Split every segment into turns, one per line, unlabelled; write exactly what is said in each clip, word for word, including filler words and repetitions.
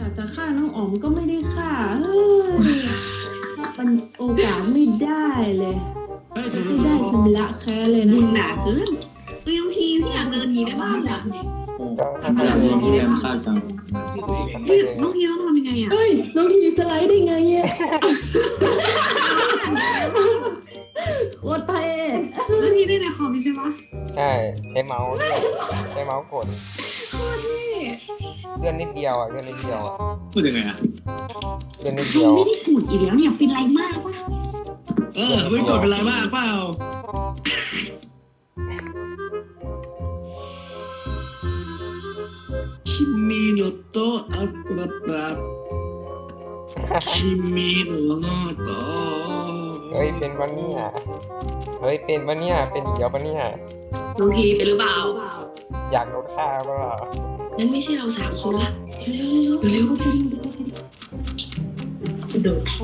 อยากจะฆ่าน้องอ๋อมก็ไม่ได้ฆ่าเฮ้ยมันโอกาสไม่ได้เลยไม่ได้ชำระแค้นเลยนะ
บุญหนาเกินเอ้ยบางทีพี่อยากเดินหนีได้บ้างอะ
ถ้าเกิดเรื่องนี้เป็นภาพจัง
พี่บางทีต้องทำยังไงอะ
เฮ้ยน้องทีสไลด์ได้ไงเนี่ยโคตรเท่
บางทีได้ในคอมใช่ปะ
ใช่ใช้เมาส์ด้วยใช้เมาส์กด
โคตรเท่
เลื่อนนิดเดียวอ่ะเลื่อนนิดเดียวอะ
พูดยังไงอ่ะ
เลื่อนนิด
ใคร
เดียว
ไม่ได้กูดอีกแล้วเนี่ยเป็นไรมากวะ
เออไม่กดเป็นไรบ้างเปล่าคิมิโนโตะอัปปะปะคิมิโนโตะ
เฮ้ยเป็นปะเนี่ยเฮ้ยเป็นปะเนี่ยเป็นอีกแล้วปะเนี่ย
บางทีเป็นหรือเปล่า
อยากโดนฆ่าเปล่า
งั้นไม่ใช่เราสามคนละเร็วเร็วเร็วไปยิงโดดท่อ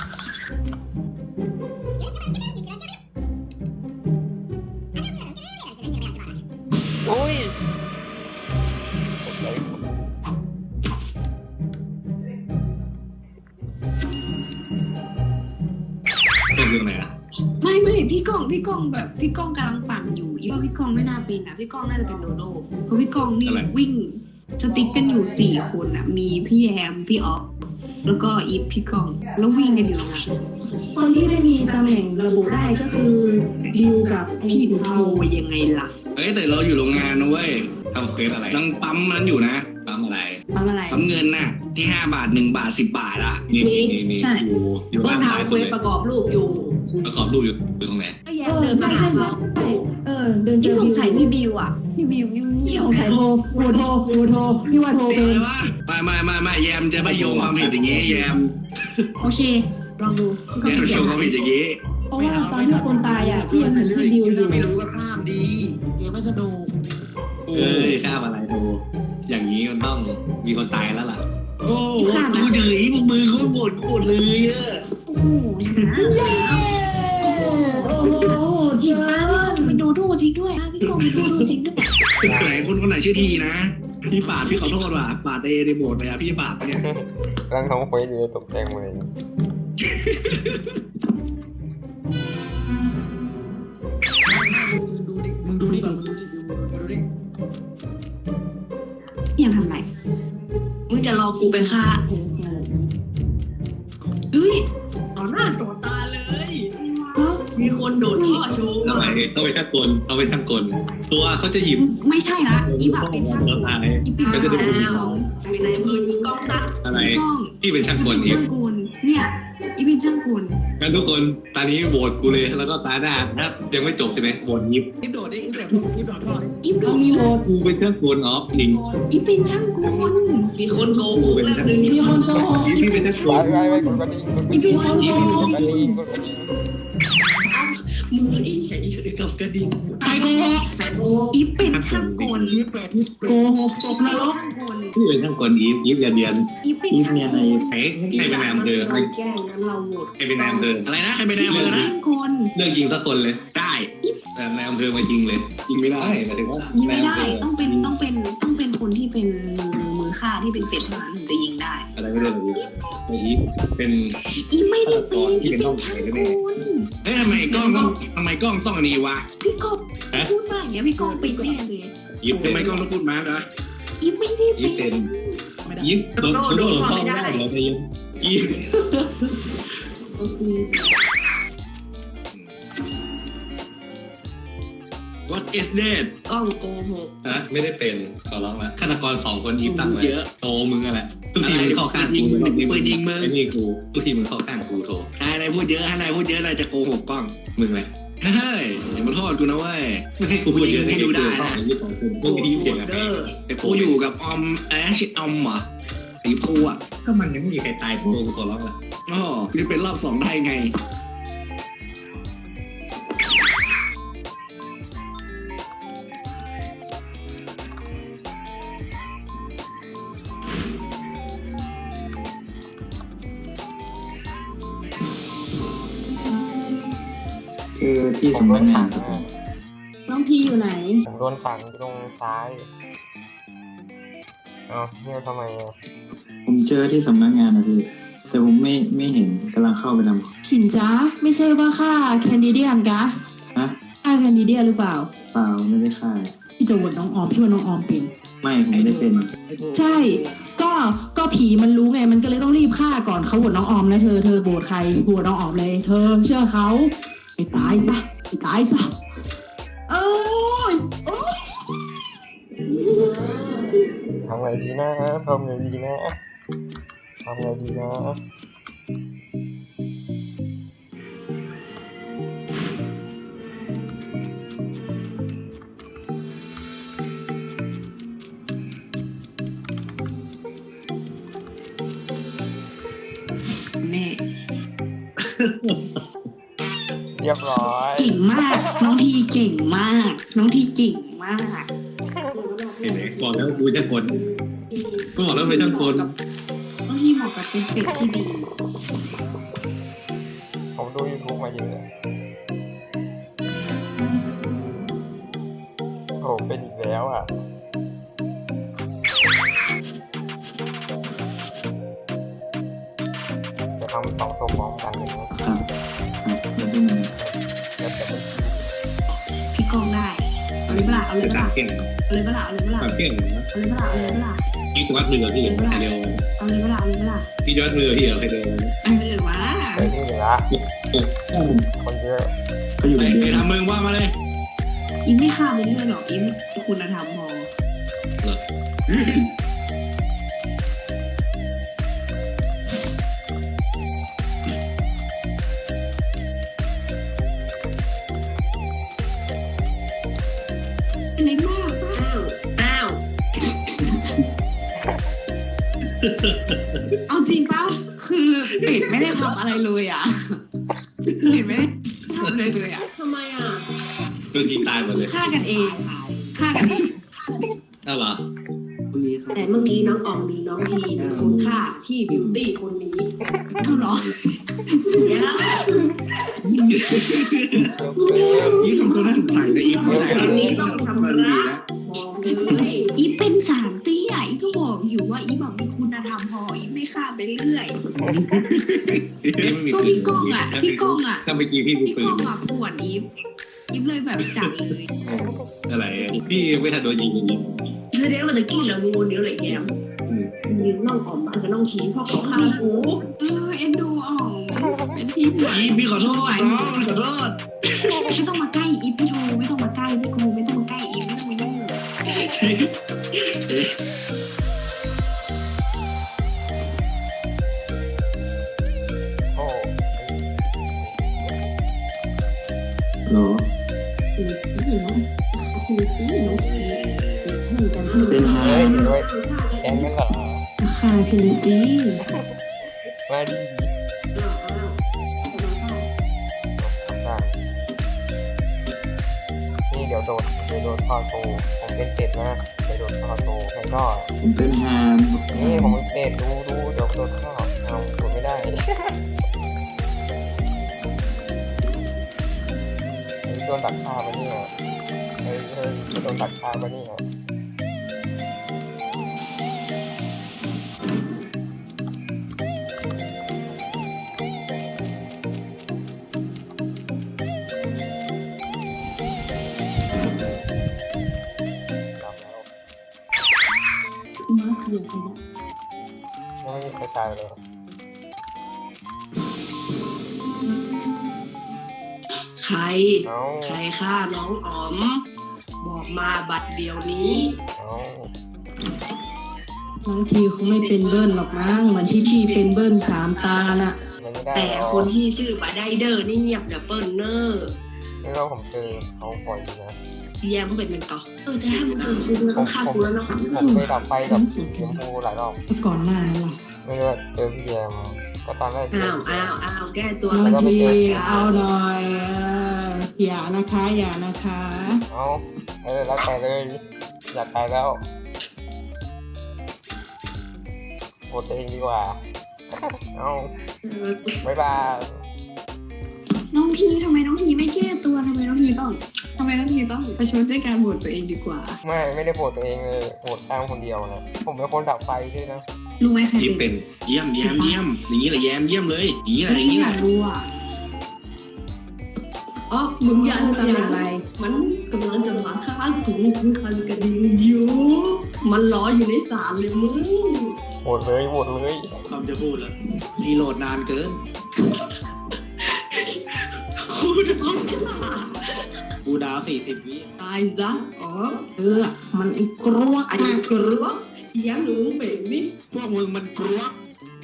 อุ้ย
เป็นเรื่องไหนอ่ะ
ไม่ไม่พี่ก้องพี่ก้องแบบพี่ก้องกำลังปั่นอยู่อีว่าพี่ก้องไม่น่าเป็นนะพี่ก้องน่าจะเป็นโดโดเพราะพี่ก้องนี่วิ่งสติ๊กกันอยู่สี่คนอ่ะมีพี่แยมพี่ออฟแล้วก็อีฟพี่ก้องแล้ววิ่งกันอยู่ตรงนั้น
คนที่ได้มีตำแหน่งระบุได้ก็คือดิวกับ
พี่
พี่
โท
เทา
ยังไงล่ะ
เอ้ยแต่เราอยู่โรงงานนะเว้ยทำเควสอะไรต้องปั๊มมันอยู่นะปั๊มอะไร
ทำอะไร
ปั๊มเงินน่ะที่ห้าบาทหนึ่งบาทสิบบาทอ่ะนี่นี่นี่นี่
ใช่
อยู่อยู่
ต้
บ้าน นท้าย
ทำ
สุ
เคว
ด
ส
เลย
ประกอบรูปอยู่
ประกอบรูปอยู่อยู่ตรงไหน
ก็แย
เอ
ม
อ
เดินมา
ใช่
หา
ใช่
เขา
ใช่เออเดินเจ
ที่
อ
สงสัยพี่บิวอ่ะพี่บิวเงียบ
สงสัยโทรโทรโทรโทรโทรพี่ว่าโทรเป็น
ไม่ไม่ไม่ไม่แยมจะไม่โยงความผิดอย่างงี้แยม
โอเคลองดู
แยมโยงความผิดอย่างงี้
เพราะว่าตอนที่คนตายอ่ะพี่ยังเห็นพี่ดิวอยู่
ไม่รู้ก็ข้ามดีเกมไม่สนุก
เอ้ยข้ามอะไรโทอย่างนี้มันต้องมีคนตายแล้วล่ะโอ้โหกูเฉยพวกมือเขาโหวตกูหมดเลยอะ
โอ้โหชนะ
เย้โอ้โห
เห็
เย
น
อะ
ปะพี่กองเป็นโดโดจริงด้วยพี่กองเป็นโดโดจริงด้วย
ไหนคนคนไหนชื่อทีนะพี่ปาดพี่ขอโทษว่ะปาดเอในโหมดไปอะพี่ปาดเนี่ย
กำลังทำเควสอยู่เลยตกใจหมดเลย
ดูดิมึงดูดิก่อนมึงดูดิมึงดูดิ
พี่ยังทำไรมึงจะรอกูไปฆ่าเฮ้ยต่อหน้าต่อตาเลย มีคนโดดท่อโชว์
ทำไมต้องไปทั้งกลเอาไปทั้งกลตัวเขาจะหยิบ
ไม่ใช่ละอีแบบเป็นช่าง
ตัวตาย
อีเป็น
เขาจะได้พูด
แล้วเป็นนายอำเภออีกล้องตัด
อะไร
กล้อง
พี่เป็นช่างกลอี
ช่างกลเนี่ยอีเป็นช่างกล
งั้นทุกคนตอนนี้โหวตกูเลยแล้วก็ตาหน้าถ้ายังไม่จบใช่ไหมโหวตยิบ
คลิปโดดดิคลิปโดดคลิปโดดทอด
อีโด
เรา
ด
มีโหวต
กูเป็นช่างกลออฟจริง
อีเป็นช่างกลมีคนโกหกแล้วหนึ่ง
มีคนโกหก
พี่เป็นช่างก
ไป
ล
ไปไปกดกระดิ่งกดกระ
อี
ดิ่ง
เป็นช่างกล
กดกระดิ่งกดกระดิ่ง
มืออีไอ้กับกระดิ่ง
ใครโกหก
อีเป็นช่างกล
โกหกตกนรก
พี่เป็นช่างกลอีฟอีฟอย่าเดียน
อีเป็นช่างกล
ใครใครเป็นนายอำเภอใคร
แก้งั้นเราโหวต
ใครเป็นนายอำเภออะไรนะใครเป็นนายอำเภอนะ
ช่างกล
เลือกยิงสักคนเลยได้แต่นายอำเภอมายิงเลยยิงไม่ได้หมายถึงว่า
ยิงไม่ได้ต้องเป็นต้องเป็นต้องเป็นคนที่เป็นมือมือฆ่าที่เป็นเป็ดเท่านั้นถึงจะยิงได้
อะไรไม่ได้เลยอีฟเป็น
อีไม่ได้เป็นอีเป็นช่างกล
เฮ้ยทำไมกล้องต้องทำไมกล้องต้องอันนี้วะ
พี่กบพูดมากอย่างเงี้ยพี่กบเป็นแน่เลย
ยิบทำไมกล้องต้องพูดมาร์กอะ
อีไม่ได้
ยิบ
เป็
เป็น นยิบโดนโดนพ่อไม่ได้เหรอไปยิบยิบ
โอเค
What is that
กล้องโกหก
ฮะไม่ได้เป็นขอร้องละฆาตกรสองคนยิบตั้งไว้เยอะโตมึงอะแหละทุกทีมึงเข้าข้างกูปืนยิงมึงไอ้นี่กูทุกทีมึงเข้าข้างกูโถให้นายพูดเยอะให้นายพูดเยอะนายจะโกหกกล้องมึงแหละเฮ้ยอย่ามาโทษกูนะเว้ยไม่ให้กูพูดเยอะให้ดูได้นะมึงดีเพียงอะไรแต่กูอยู่กับออมแอชออมเหรอไอ้ปูอ่ะก็มันยังไม่มีใครตายโปกูขอร้องละอ๋อจะเป็นรอบสองได้ไง
คือที่สำนักงานครับผม
น้องพีอยู่ไหน
ผมโดนฝังอยู่ตรงซ้ายเอ้าเนี่ยทำไมอ่ะ
ผมเจอที่สำนักงานนะพี่แต่ผมไม่ไม่เห็นกำลังเข้าไปทำ
ฉินจ้าไม่ใช่ว่าค่าแคนดิเดียนกะ
ฮะ
ค่าแคนดิเดียนหรือเปล่า
เปล่าไม่ได้ค่าย
พี่จะโหวตน้องออมพี่ว่าน้องออมเป็น
ไม่ผมไม่ได้เป็น
ใช่ ก็ก็ผีมันรู้ไงมันก็เลยต้องรีบฆ่าก่อนเขาโหวตน้องออมนะเธอเธอโหวตใครโหวตน้องออมเลย เธอเชื่อเขาไปตายซะไปตายซะเอ้ยโอ๊ย
ทำไงดีนะทำไงดีนะทำไงดีนะ
แน่
เรียบร้อย
เก่งมาก น้องทีเก่งมาก น้องทีเก่งมาก
เห็นไหมบอกแล้วกูจะคนก็บอกแล้วเป็นช่างคน
น้องทีเหมาะกับเป็นเป็ดที่ดี
ผมดู YouTube มาเยอะโอ้เป็นอีกแล้วอ่ะจะทำสองศพพร้อมกันเลยไหม
ครับครับไม่ได้มา
แล้วแต่ไม่
พี่กองได้ เอาเลยเปล่าเอาเลย
จะ
เป
ตั
ล่า
ดเก่ง
เอาเลยเปล่าเอาเลยเปล่า
ตัดเก่งนะ
เอาเลยเปล่าเอาเลยเปล่า
พี่วัดมือพี่ใครเร็ว
เอาเลยเปล่าเอาเลยเปล่า
พี่วัดมือพี่เหรอใครเร็ว
เอาเลยว่า
เจอที่เหลือคนเยอะ
เขาอยู่
ใคร
ใน
ใคร
เดือน
ทำมึงว่ามาเลย
อิมไม่ฆ่าไปเรื่อยหรอกอิมคุณธรรมพอ เป็นไรมากอ้าว อ้าว เอาจริงปะคือเป็ดไม่ได้ทำอะไรเลยอ่ะเป็ดไม่ได้ทำอะไรเลยอ่ะทำไมอ่ะ
ซึ่งยิงตายหมดเลย
ฆ่ากันเองฆ่ากันเอง
ได้เหรอ
แต่เมื่อกี้น้องอองมีน้องทีเป็นคนฆ่าพี่บิวตี้คนนี้
เอาเหรอ
เนี่ย
ยี่ทำตัวน่าสงสัยนะอีฟ
คนนี้ต้องชำระบอกเลย
อีฟเป็นสามเตี้ยอีฟก็บอกอยู่ว่าอีฟแบบมีคุณธรรมพออีฟไม่ฆ่าไปเรื่อยก็พี่ก้องอ่ะพี่ก้องอ่ะ
ถ้าเมื่อกี้พี่มี
พี่
ปื
ก้อน งอ่ะปวดอีฟอีฟเลยแบบจัดเลย
อะไรพี่ไม่ทันโดนยิงอย่างนี้
แสดงว่าตะกี้เรางูเดียวเลยแกมจริงๆน้องออมบ้านกับน้องทีเพราะเขาฆ่ากู
เออเอ็นดูอ๋องเป็นที่ปวด
อีฟพี่ขอโทษน้องขอโทษ
ไม่ต้องมาใกล้อีฟพี่โทไม่ต้องมาใกล้พี่กูไม่ต้องมาใกล้อีฟไม่ต้องมายุ่ง
โอ้
เหรอ
นี่น้องคือตีน้องทีเหมือนกัน
เป็นฮา
เฮ้ยด้วยแกงกันเหรอ
ค่าพิลิซี
มาดีได้นี่เดี๋ยวโดนเดี๋ยวโดนคอโตผมเป็นเป็ดนะเดี๋ยวโดนคอโตแล้วก็
ผมเป็นฮาน
นี่ผมเป็นเป็ดดูดูเดี๋ยวโดนข้าวเอาโดนไม่ได้โดนดักฆ่ามาเนี่ยเฮ้ยเฮ้ยโดนดักฆ่ามาเนี่ย
มาเสียใครเนี่ย
ยังไม่มีใครตายเลย
ใคร
เอา
ใครฆ่าน้องออม บอกมาบัดเดียวนี้
เอา
น้องทีคงไม่เป็นเบิ้ลหรอกมั้งเหมือนที่พี่เป็นเบิ้ลสามตาน่ะ
ยังไม่ได้
แต่คนที่ชื่อบัดไดเดอร์นี่เงียบเดี๋ยวเปิ้ลเนอร์
นี่เราผมเจอเขาปล่อยอยู่นะ
แยมเป็นเป็นก่อเออแต่ถ้ามึงเป็นคุณมึงต้องฆ่ากูแล้วเนาะ
ผมเคยดับไฟกับสีชมพูหลายรอบ
ก่อนหน้าล่ะ
ไม่รู้ว่าเจอพี่แยมก็ตอนแรกเจ
อ้า
อ
ว
พี่แย
อ้าว
ม
อ้าวแก้ตัว
น้อง
กัน
ที
เอา
เอาหน่อยเอออย่านะคะ อย่านะคะ
เอาเออแล้วแต่เลยอยากตายแล้วโหวตตัวเองดีกว่า เอาบ๊ายบาย
น้องทีทำไมน้องทีไม่แก้ตัวทำไมน้องทีต้องททำไมต้องทีต้องประชดด้วยการโหวตตัวเองดีกว่า
ไม่ไม่ได้โหวตตัวเองเลยโหวตตามคนเดียวนะผมเป็นคนดับไฟด้วยนะ
รู้ไหมใคร
อีฟ
เป็
เป็น นเยี่ยมเยี่ยมเยี่ยมอย่างนี้แหละแยมเยี่ยมเลยอย่างนี้แหละ
ไม่
อย่างนี้
อ
แห
ยา
ละ
กรู้อ่ะ
อ๋อมึงอย่า
พูดตำแหน่งอะไร
มันกำลังจะมาฆ่ากูกูคันกระดิ่งอยู่มันรออยู่ในศาลเลยมึง
โหวตเลยโหวตเลย
คำจะพูดแล้วรีโหลดนานเกิน
กูโดนฆ่า
กูดาวสี่สิบวิ
ตายซะอ๋อ
เออ มันไอ้กรวก
ไอ้
นะ
กรวกเอียงหนูเบ่งนี่
พวกมึงมันกลัว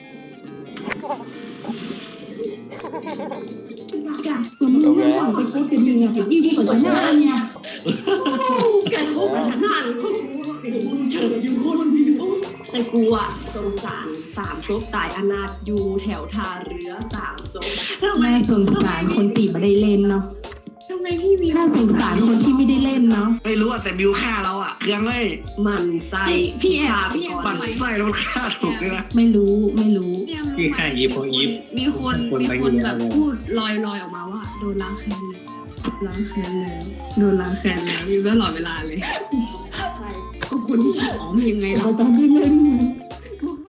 กัน
ตัวมึงไม่หวังไปพูดกันยังไงกับยี่ที่กับชนะเนี่ย
กันพบกับฉันหน้าเลยพวกกูไอ้มึงเฉยอยู่คนเดียวแต่กูอะสงสารสามศพตายอนาถอยู่แถวท่าเรือสามศพทำไม
แม่สงสารคนตีมาได้เล่นเนาะ
ทำไมพี่มี
ถ้าสงสารคนที่ไม่ได้เล่นเนาะ
ไม่รู้อะแต่บิวฆ่าเราอะเครื่องเลย
มันใส่
พี่พี่แอบพี่แอบ
ปั่นไส้แล้วมันฆ่าถูกด้วยนะ
ไม่รู้ไม่รู้
พี่แอบรู้
พี่
ไหม
แค่ยิบพอยิบ
มีคน
คน
มี
ไป
คน
อยู่
แบบ
แล้ว
พูดลอยลอยออกมาว่าโดนล้างแค้นแล้วล้างแค้นแล้วโดนล้างแค้นแล้วอยู่ตลอดเวลาเลย ก็คนที่ชื่ออ๋อมยังไงล่ะ
เราต้องได้เล่น